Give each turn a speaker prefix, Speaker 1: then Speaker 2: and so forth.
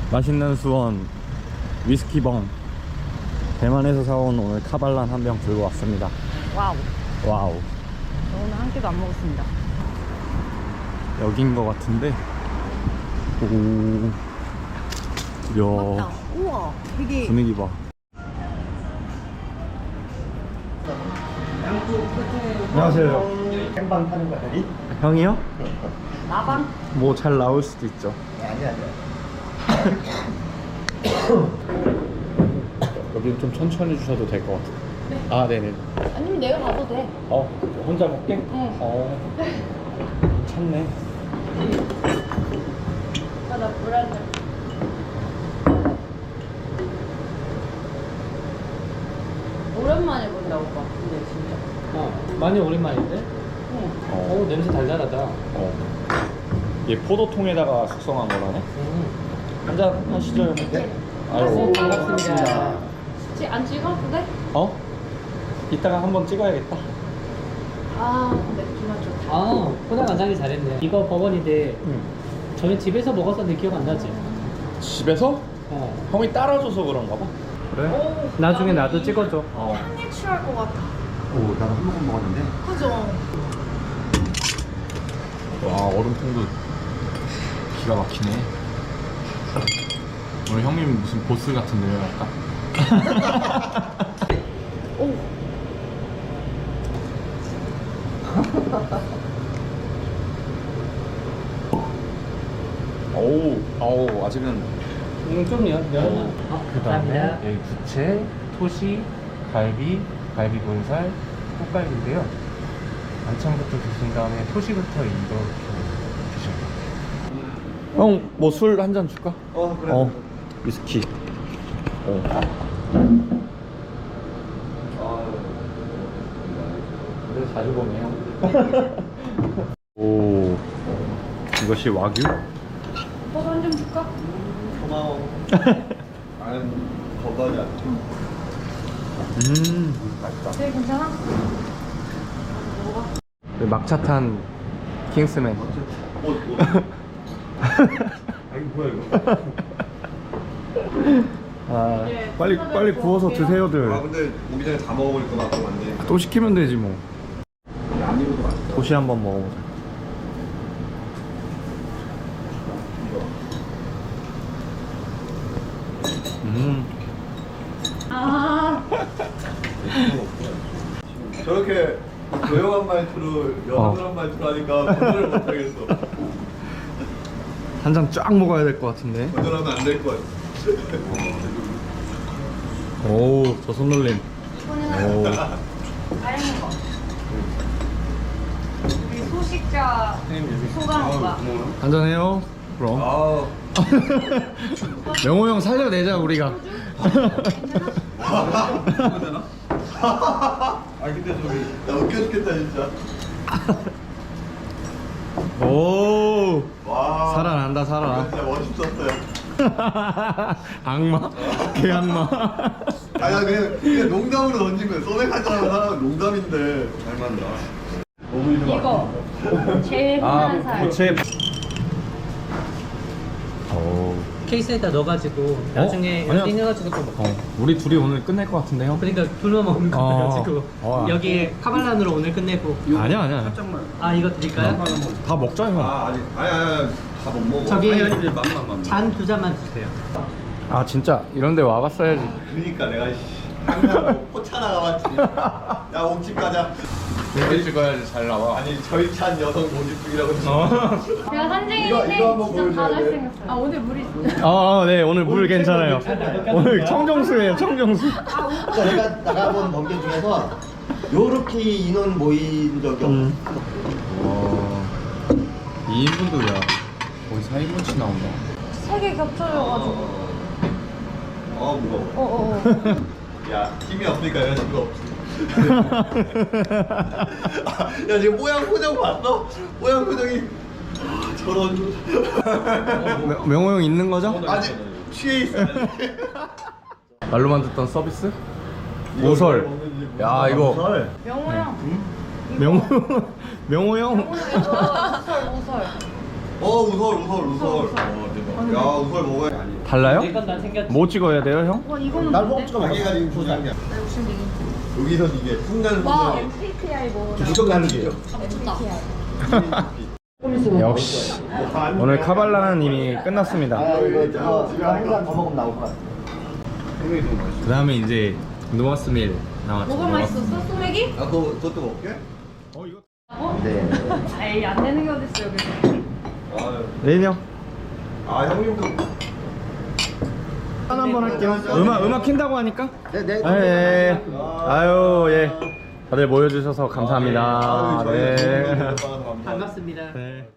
Speaker 1: 맛있는 수원 위스키봉 대만에서 사온 오늘 카발란 한 병 들고 왔습니다.
Speaker 2: 와우.
Speaker 1: 와우.
Speaker 2: 저 오늘 한 끼도 안 먹었습니다.
Speaker 1: 여긴 거 같은데. 오.
Speaker 2: 맞다.
Speaker 1: 이야.
Speaker 2: 우와. 되게.
Speaker 1: 분위기 봐. 안녕하세요.
Speaker 3: 생방 타는 거야, 여기?
Speaker 1: 형이요?
Speaker 2: 나방?
Speaker 1: 뭐 잘 나올 수도 있죠.
Speaker 3: 아니야.
Speaker 1: 여기는 좀 천천히 주셔도 될 것 같아요.
Speaker 2: 네.
Speaker 1: 아, 네네.
Speaker 2: 아니면 내가 가도 돼.
Speaker 1: 혼자 먹게?
Speaker 2: 응.
Speaker 1: 괜찮네.
Speaker 2: 나 불안해. 오랜만에 본다 오빠. 근데 진짜.
Speaker 4: 많이 오랜만인데?
Speaker 2: 응.
Speaker 4: 냄새 달달하다.
Speaker 1: 얘 포도통에다가 숙성한 거라네? 한잔 하시죠, 형님?
Speaker 2: 네.
Speaker 1: 아이고,
Speaker 4: 반갑습니다.
Speaker 2: 안 찍어도 돼?
Speaker 1: 이따가 한번 찍어야겠다.
Speaker 2: 아, 맥주만 좋다.
Speaker 4: 포장 완장이 잘했네. 이거 버번인데 저희 집에서 먹었었는데 기억 안 나지?
Speaker 1: 집에서? 형이 따라줘서 그런가 봐. 그래?
Speaker 4: 나중에 나도 찍어줘.
Speaker 2: 한입 취할 것 같아.
Speaker 3: 오, 나도 한 모금 먹었는데.
Speaker 2: 그죠?
Speaker 1: 와, 얼음통도 기가 막히네. 오늘 형님 무슨 보스 같은데요, 약간?
Speaker 2: 오.
Speaker 1: 어우, 아직은.
Speaker 4: 좀 면. 감사합니다.
Speaker 5: 여기 부채, 토시, 갈비, 갈비 본살, 꽃갈비인데요. 반찬부터 드신 다음에 토시부터 이렇게 드셔요.
Speaker 1: 형, 뭐 술 한 잔 줄까?
Speaker 3: 그래.
Speaker 1: 위스키.
Speaker 5: 그래서 자주 보네요.
Speaker 1: 오, 이것이 와규?
Speaker 2: 오빠 한점 줄까?
Speaker 3: 고마워. 나는 건강이 안 돼.
Speaker 1: 맛있다.
Speaker 2: 되게 괜찮아?
Speaker 1: 막차탄 킹스맨.
Speaker 3: 아니, 뭐야, 이거?
Speaker 1: 빨리 구워서 드세요들.
Speaker 3: 근데 오기 전에 다 먹어버릴 것 같고, 완전.
Speaker 1: 또 시키면 되지 뭐.
Speaker 3: 안 익어도 맛있다.
Speaker 1: 도시 한번 먹어보자.
Speaker 3: 저렇게 조용한 말투로 여성스러운 말투로 하니까 건전을 못하겠어.
Speaker 1: 한 잔 쫙 먹어야 될 것 같은데.
Speaker 3: 건전하면 안 될 것 같아.
Speaker 1: 오, 저 손놀림. 오.
Speaker 2: 다양한 거. 우리 소식자 소감 오빠.
Speaker 1: 한잔 해요. 그럼.
Speaker 3: 아,
Speaker 1: 명호 형 살려내자 우리가.
Speaker 3: 되나? 아, 근데 저기 나 웃겨 죽겠다 진짜.
Speaker 1: 오.
Speaker 3: 와,
Speaker 1: 살아난다 살아.
Speaker 3: 진짜 멋있었어요.
Speaker 1: 악마. 개악마.
Speaker 3: 아니, 나 그냥 농담으로 던진 거야. 소맥하자는 사람은 농담인데 잘 만나. 너무 이름
Speaker 2: 이거 제일 흔한 살.
Speaker 1: 부채. 오.
Speaker 4: 케이스에다 넣어가지고 나중에
Speaker 1: 아니야.
Speaker 4: 띵해가지고 또 먹어.
Speaker 1: 우리 둘이 오늘 끝낼 것 같은데 형?
Speaker 4: 그러니까 둘만 먹는 거 같아가지고
Speaker 1: 어.
Speaker 4: 여기에 카발란으로 오늘 끝내고.
Speaker 1: 아니야.
Speaker 4: 이거 드릴까요?
Speaker 1: 다 먹자 형.
Speaker 3: 아니 다 못 먹어.
Speaker 4: 저기
Speaker 3: 맘만.
Speaker 4: 잔 2잔만 주세요.
Speaker 1: 아 진짜 이런데 와봤어야지.
Speaker 3: 그러니까 내가 항상 포차 나가봤지. 야, 옥집 가자.
Speaker 1: 여기 찍어야지 잘 나와.
Speaker 3: 아니, 저희 찬 여성 모집중이라고.
Speaker 2: 제가 산증인데
Speaker 3: 이거 한번
Speaker 2: 진짜 다
Speaker 3: 보여줘야 돼.
Speaker 2: 잘생겼어요. 아 오늘 물이 있어요?
Speaker 1: 네 오늘 물 괜찮아요. 오늘 청정수예요 청정수.
Speaker 6: 그러니까 내가 나가본 번개 중에서 요렇게 인원 모인 적이 없어.
Speaker 1: 와 2인분도 야 거의 4인분씩 나온다.
Speaker 2: 3개 겹쳐져가지고.
Speaker 3: 무거워. 야, 힘이 없으니까 여자친구가 없지. 야, 지금 모양 표정 봤어? 모양 표정이 저런.
Speaker 1: 명호 형 있는 거죠?
Speaker 3: 아직 취해 있어.
Speaker 1: 말로만 듣던 서비스? 오설. 야 이거
Speaker 2: 명호 형.
Speaker 1: 명호 형.
Speaker 2: 오설.
Speaker 3: 우설. 대박. 야, 우설 먹어야 아니.
Speaker 1: 달라요?
Speaker 4: 내건 난 챙겼지.
Speaker 1: 뭐 찍어야 돼요, 형?
Speaker 2: 와 이거는
Speaker 6: 날
Speaker 2: 뭔데?
Speaker 6: 먹지가
Speaker 3: 자기가 지금 조장이야.
Speaker 2: 나 욕심쟁이.
Speaker 3: 여기서 이게 순간
Speaker 2: 와
Speaker 3: 순간
Speaker 2: MBTI 뭐.
Speaker 6: 무조건 가는 게요.
Speaker 1: 역시 오늘 카발라는 이미 끝났습니다.
Speaker 6: 이거 한잔 더 먹으면 나올 것 같아.
Speaker 1: 그 다음에 이제 노아스밀 나왔죠.
Speaker 2: 뭐가 맛있었어? 소맥이?
Speaker 3: 아, 그것도 먹게?
Speaker 2: 어?
Speaker 6: 네.
Speaker 2: 에이 안 되는 게 어딨어 여기서.
Speaker 1: 레인 형
Speaker 3: 아, 형님도
Speaker 1: 한 번 할게요. 음악 킨다고 하니까?
Speaker 6: 네.
Speaker 1: 예. 아유 예. 다들 모여주셔서 감사합니다. 네.
Speaker 4: 반갑습니다.
Speaker 1: 네.